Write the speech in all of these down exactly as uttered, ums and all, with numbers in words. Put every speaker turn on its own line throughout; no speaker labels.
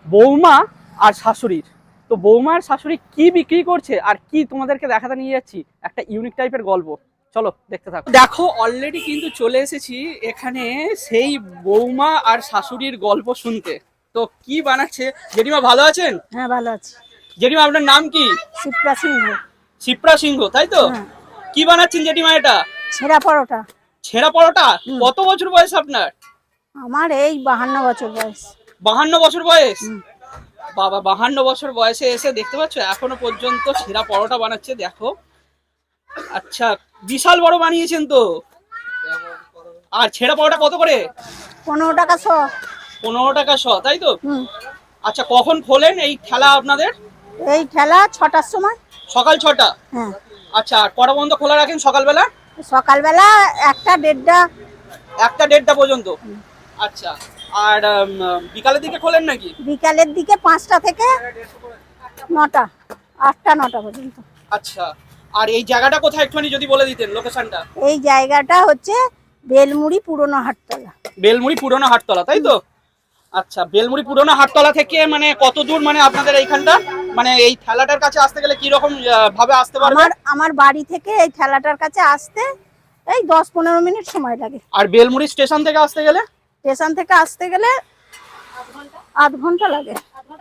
বৌমা আর শাশুড়ির। তো বৌমা আর শাশুড়ি কি বিক্রি করছে আর কি তোমাদেরকে দেখাতে নিয়ে যাচ্ছি একটা ইউনিক টাইপের গল্প। চলো দেখতে থাকো। দেখো অলরেডি কিন্তু চলে এসেছি এখানে সেই বৌমা আর শাশুড়ির গল্প শুনতে। তো কি বানাচ্ছে জেঠিমা, ভালো আছেন?
হ্যাঁ ভালো আছি।
জেঠিমা আপনার নাম কি?
শিপ্রা সিংহ।
শিপ্রা সিংহ, তাই তো?
হ্যাঁ।
কি বানাচ্ছেন জেঠিমা এটা?
ছেঁড়া পরোটা।
ছেঁড়া পরোটা? কত বছর বয়স আপনার?
আমার এই বাহান্ন বছর বয়স।
বাহান্ন বছর বয়স? বাবা, বাহান্ন বছর বয়সে এসে দেখতে পাচ্ছ এখনো পর্যন্ত ছেঁড়া পরোটা বানাচ্ছে। দেখো, আচ্ছা বিশাল বড় বানিয়েছেন তো। আর ছেঁড়া পরোটা কত করে?
পনেরো টাকা শ।
পনেরো টাকা শ, তাই তো?
হুম।
আচ্ছা, কখন খোলেন এই ঠেলা আপনাদের?
এই ঠেলা ছটার সময়।
সকাল ছটা?
হ্যাঁ।
আচ্ছা, আর কটা পর্যন্ত খোলা রাখেন সকালবেলা?
সকালবেলা একটা দেড়টা।
একটা দেড়টা পর্যন্ত? আচ্ছা, আর বিকালের দিকে খোলেন নাকি?
বিকালের দিকে পাঁচটা থেকে নটা, আটটা নটা পর্যন্ত।
আচ্ছা, আর এই জায়গাটা কোথায় একটুখানি যদি বলে দিতেন, লোকেশনটা?
এই জায়গাটা হচ্ছে বেলমুড়ি পুরনো হাটতলা।
বেলমুড়ি পুরনো হাটতলা, তাই তো? আচ্ছা, বেলমুড়ি পুরনো হাটতলা থেকে মানে কত দূর মানে আপনাদের এইখানটা, মানে এই ঠেলাটার কাছে আসতে গেলে কি রকম ভাবে আসতে পারবে?
আমার আমার বাড়ি থেকে এই ঠেলাটার কাছে আসতে এই দশ পনেরো মিনিট সময় লাগে।
আর বেলমুড়ি স্টেশন থেকে আসতে গেলে?
স্টেশন থেকে আসতে গেলে আধ ঘন্টা লাগে।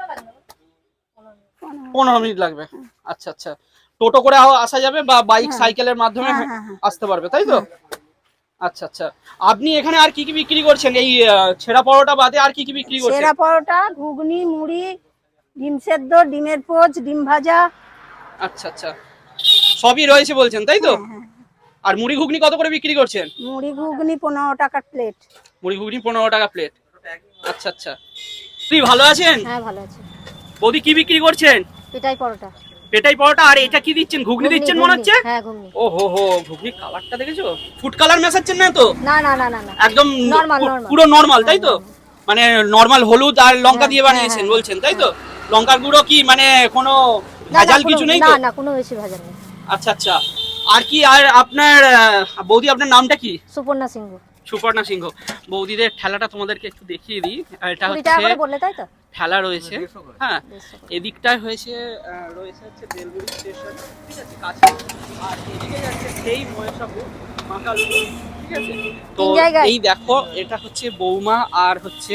পনেরো মিনিট লাগবে। আচ্ছা আচ্ছা, টোটো করে আসা যাবে বা বাইক সাইকেলের মাধ্যমে আসতে পারবে, তাই তো? আচ্ছা আচ্ছা, আপনি এখানে আর কি কি বিক্রি করছেন এই ছেঁড়া পরোটা বাদে? আর কি কি বিক্রি করছেন?
ছেঁড়া পরোটা, ঘুগনি, মুড়ি, ডিম সেদ্ধ, ডিমের পোচ, ডিম ভাজা।
আচ্ছা আচ্ছা, সবই রয়েছে বলছেন, তাই তো? আর মুড়ি ঘুগনি কত করে বিক্রি করছেন?
মুড়ি ঘুগনি পনেরো টাকা প্লেট।
মুড়ি ঘুগনি পনেরো টাকা প্লেট। আচ্ছা আচ্ছা, তুই ভালো আছেন?
হ্যাঁ ভালো আছি।
বৌদি কি বিক্রি করছেন?
পেটাই পরোটা।
পেটাই পরোটা। আর এটা কি দিচ্ছেন? ঘুগনি দিচ্ছেন মনে হচ্ছে।
হ্যাঁ ঘুগনি।
ও হো হো, ঘুগনি কালারটা দেখেছো? ফুড কালার মেশাচ্ছেন না তো?
না না না না না,
একদম
নরমাল নরমাল।
পুরো নরমাল, তাই তো? মানে নরমাল হলুদ আর লঙ্কা দিয়ে বানিয়েছেন বলছেন, তাই তো? লঙ্কার গুঁড়ো কি মানে কোনো ভেজাল কিছু নেই তো?
না না, কোনো বেশি ভেজাল নেই।
আচ্ছা আচ্ছা, আর কি? আর আপনার বৌদি, আপনার নামটা কি?
সুপর্ণা সিংহ।
সুপর্ণা সিংহ। বৌদিদের ঠেলাটা তোমাদেরকে একটু দেখিয়ে দিই। এটা
কুড়ি টাকা করে বললে, তাই তো?
ঠেলা রয়েছে, হ্যাঁ। এদিকটায় হয়েছে রয়েছে হচ্ছে বেলমুড়ি স্টেশন, ঠিক আছে, কাছে। আর এদিকে যাচ্ছে সেই মহেশাপুর মাকালপুর, ঠিক আছে। তো এই দেখো, এটা হচ্ছে বৌমা আর হচ্ছে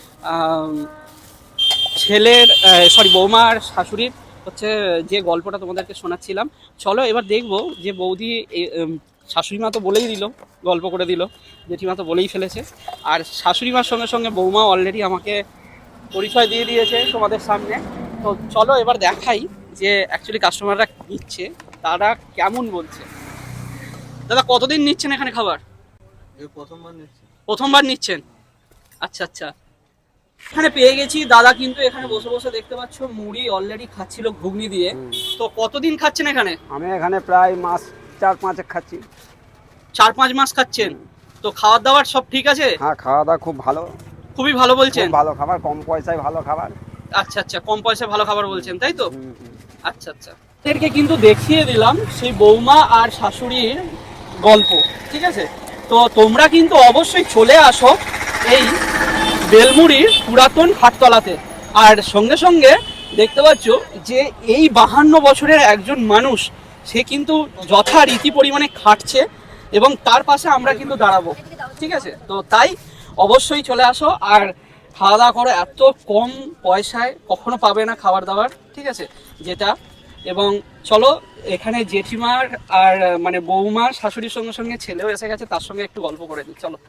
ছেলের, সরি বৌমা আর শাশুড়ির হচ্ছে যে গল্পটা তোমাদেরকে শোনাচ্ছিলাম। চলো এবার দেখবো যে বৌদি, শাশুড়ি মা তো বলেই দিল, গল্প করে দিল, জেঠিমা তো বলেই ফেলেছে, আর শাশুড়ি মার সঙ্গে সঙ্গে বৌমা অলরেডি আমাকে পরিচয় দিয়ে দিয়েছে তোমাদের সামনে। তো চলো এবার দেখাই যে অ্যাকচুয়ালি কাস্টমাররা নিচ্ছে তারা কেমন বলছে। দাদা, কতদিন নিচ্ছেন এখানে খাবার?
প্রথমবার নিচ্ছি।
প্রথমবার নিচ্ছেন? আচ্ছা আচ্ছা, এখানে পেয়ে গেছি দাদা, কিন্তু এখানে বসে বসে দেখতে পাচ্ছ মুড়ি অলরেডি খাচ্ছিল ঘুগনি দিয়ে। তো কতদিন খাচ্ছেন এখানে?
আমি এখানে প্রায় মাস চার পাঁচেক খাচ্ছি।
চার পাঁচ মাস খাচ্ছেন? তো খাওয়ার দাওয়ার সব ঠিক আছে?
হ্যাঁ, খাওয়া দাওয়া খুব ভালো।
খুবই ভালো বলছেন?
ভালো খাবার, কম পয়সায় ভালো খাবার।
আচ্ছা আচ্ছা, কম পয়সায় ভালো খাবার বলছেন, তাই তো? আচ্ছা আচ্ছা, এদেরকে কিন্তু দেখিয়ে দিলাম সেই বৌমা আর শাশুড়ির গল্প, ঠিক আছে। তো তোমরা কিন্তু অবশ্যই চলে আসো এই বেলমুড়ির পুরাতন হাটতলাতে। আর সঙ্গে সঙ্গে দেখতে পাচ্ছ যে এই বাহান্ন বছরের একজন মানুষ, সে কিন্তু যথারীতি পরিমাণে খাটছে এবং তার পাশে আমরা কিন্তু দাঁড়াবো, ঠিক আছে। তো তাই অবশ্যই চলে আসো আর খাওয়া দাওয়া করো। এত কম পয়সায় কখনো পাবে না খাবার দাবার, ঠিক আছে, যেটা। এবং চলো, এখানে জেঠিমার আর মানে বৌমার শাশুড়ির সঙ্গে সঙ্গে ছেলেও এসে গেছে, তার সঙ্গে একটু গল্প করে দিই, চলো।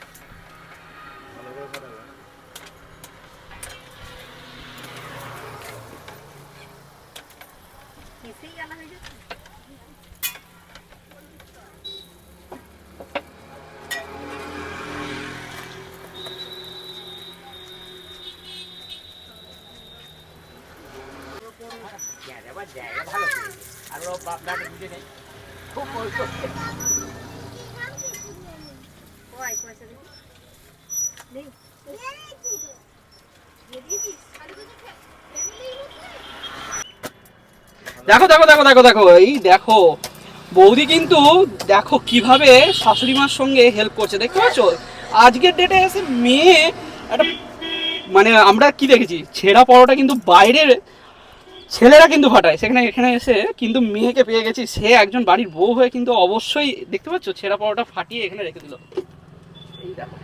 দেখো দেখো দেখো দেখো দেখো, এই দেখো বৌদি কিন্তু দেখো কিভাবে শাশুড়ি মার সঙ্গে হেল্প করছে, দেখতে পাচ্ছ? আজকের ডেটে এসে মেয়ে একটা মানে আমরা কি দেখেছি, ছেঁড়া পরোটা কিন্তু বাইরের ছেলেরা কিন্তু ফাটায়, সেখানে এখানে এসে কিন্তু মেয়েকে পেয়ে গেছি, সে একজন বাড়ির বউ হয়ে কিন্তু অবশ্যই দেখতে পাচ্ছ ছেঁড়া পরোটা ফাটিয়ে এখানে রেখে দিল। এই দেখো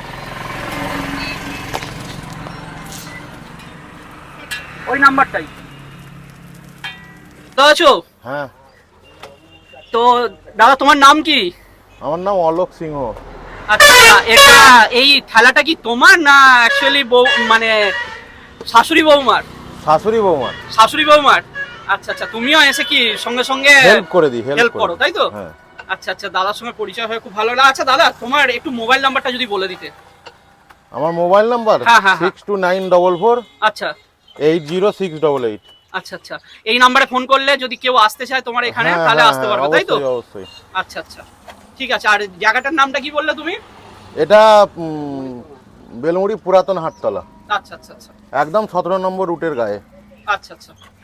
ওই নাম্বারটাই তো আছো।
হ্যাঁ,
তো দাদা তোমার নাম কি?
আমার নাম অলোক সিংহ।
আচ্ছা, এটা এই খেলাটা কি তোমার না অ্যাকচুয়ালি বউ মানে শাশুড়ি বৌমার?
শাশুড়ি বৌমার।
শাশুড়ি বৌমার, আচ্ছা আচ্ছা। তুমিও এসে কি সঙ্গে সঙ্গে
হেল্প করে দিই,
হেল্প করো তাই তো?
হ্যাঁ।
আচ্ছা আচ্ছা, দাদার সঙ্গে পরিচয় হয়ে খুব ভালো লাগলো। আচ্ছা দাদা, তোমার একটু মোবাইল নাম্বারটা যদি বলে দিতে।
আমার মোবাইল নাম্বার
হ্যাঁ, হ্যাঁ, হ্যাঁ।
Six two nine double four
আচ্ছা
eight zero six double eight.
আচ্ছা আচ্ছা, এই নাম্বারে ফোন করলে যদি কেউ আসতে চায় তোমার এখানে তাহলে আসতে পারবে তাই তো?
অবশ্যই।
আচ্ছা আচ্ছা, ঠিক আছে। আর জায়গাটার নামটা কি বললে তুমি?
এটা উম, বেলমুড়ি পুরাতন হাটতলা,
আচ্ছা আচ্ছা আচ্ছা
একদম সতেরো নম্বর রুটের গায়ে।
আচ্ছা আচ্ছা।